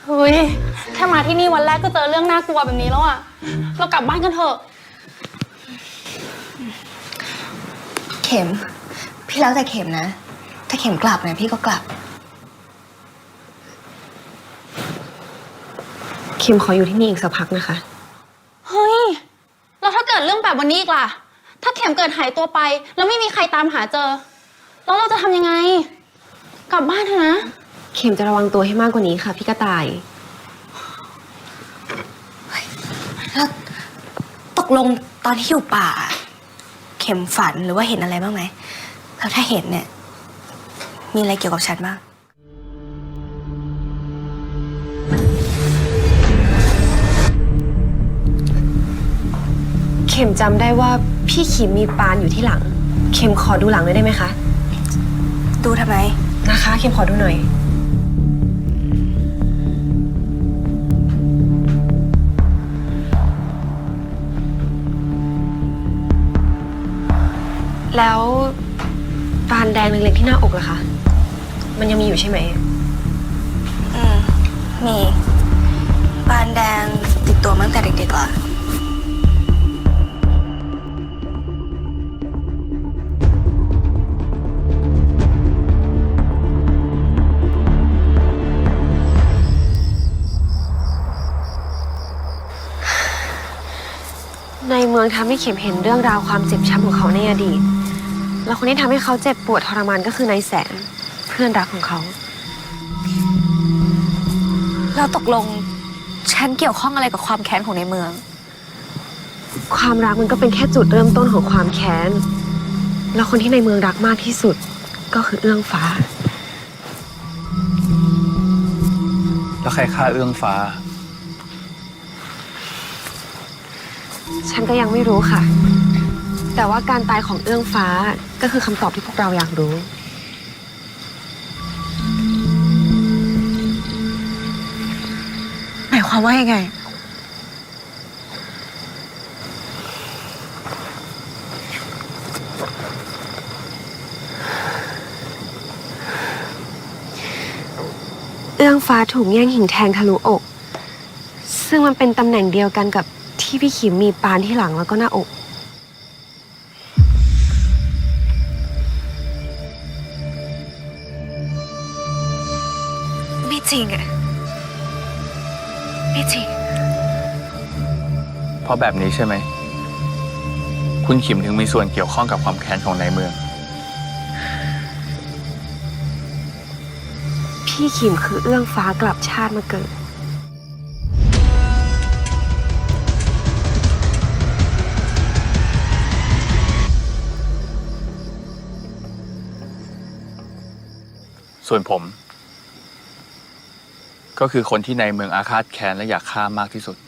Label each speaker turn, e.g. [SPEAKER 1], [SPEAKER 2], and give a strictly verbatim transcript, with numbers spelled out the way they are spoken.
[SPEAKER 1] เฮ้ยแค่มาที่นี่วันแรกก็เจอเรื่องน่ากลัวแบบนี้แล้วอะเรากลับบ้านกันเถอะ
[SPEAKER 2] เข็มพี่แล้วแต่เข็มนะถ้าเข็มกลับเนี่ยพี่ก็กลับ
[SPEAKER 3] เข็มขออยู่ที่นี่อีกสักพักนะคะ
[SPEAKER 1] เฮ้ยแล้วถ้าเกิดเรื่องแบบวันนี้อีกล่ะถ้าเข็มเกิดหายตัวไปแล้วไม่มีใครตามหาเจอแล้วเราจะทำยังไงกลับบ้านเถอะนะ
[SPEAKER 3] เข็มจะระวังตัวให้มากกว่านี้ค่ะพี่กระต่าย
[SPEAKER 2] แล้วตกลงตอนที่อยู่ป่าเข็มฝันหรือว่าเห็นอะไรบ้างไหมแล้วถ้าเห็นเนี่ยมีอะไรเกี่ยวกับฉันบ้าง
[SPEAKER 3] เข็มจำได้ว่าพี่ขีมมีปานอยู่ที่หลังเข็มขอดูหลังหน่อยได้ไหมคะ
[SPEAKER 2] ดูทำไม
[SPEAKER 3] นะคะเข็มขอดูหน่อยแล้วปานแดงเล็กๆที่หน้าอกล่ะคะมันยังมีอยู่ใช่ไหม
[SPEAKER 2] อืมมีปานแดงติดตัวมาตั้งแต่เด็กๆล่ะ
[SPEAKER 3] ในเมืองทำให้เข็มเห็นเรื่องราวความเจ็บช้ำของเขาในอดีตแล้วคนที่ทำให้เขาเจ็บปวดทรมานก็คือนายแสนเพื่อนรักของเขา
[SPEAKER 2] แล้วตกลงฉันเกี่ยวข้องอะไรกับความแค้นของในเมือง
[SPEAKER 3] ความรักมันก็เป็นแค่จุดเริ่มต้นของความแค้นแล้วคนที่ในเมืองรักมากที่สุดก็คือเอื้องฟ้า
[SPEAKER 4] แล้วใครฆ่าเอื้องฟ้า
[SPEAKER 3] ฉันก็ยังไม่รู้ค่ะแต่ว่าการตายของเอื้องฟ้าก็คือคำตอบที่พวกเราอยากรู้
[SPEAKER 2] หมายความว่ายังไง
[SPEAKER 3] เอื้องฟ้าถูกแย่งหินแทงทะลุอกซึ่งมันเป็นตำแหน่งเดียวกันกับที่พี่ขิมมีปานที่หลังแล้วก็หน้าอก
[SPEAKER 2] ไม่จริงอะไม่จริง
[SPEAKER 4] เพราะแบบนี้ใช่ไหมคุณขิมถึงมีส่วนเกี่ยวข้องกับความแค้นของนายเมือง
[SPEAKER 3] พี่ขิมคือเอื้องฟ้ากลับชาติมาเกิด
[SPEAKER 4] ส่วนผมก็คือคนที่ในเมืองอาฆาตแค้นและอยากฆ่ามากที่สุด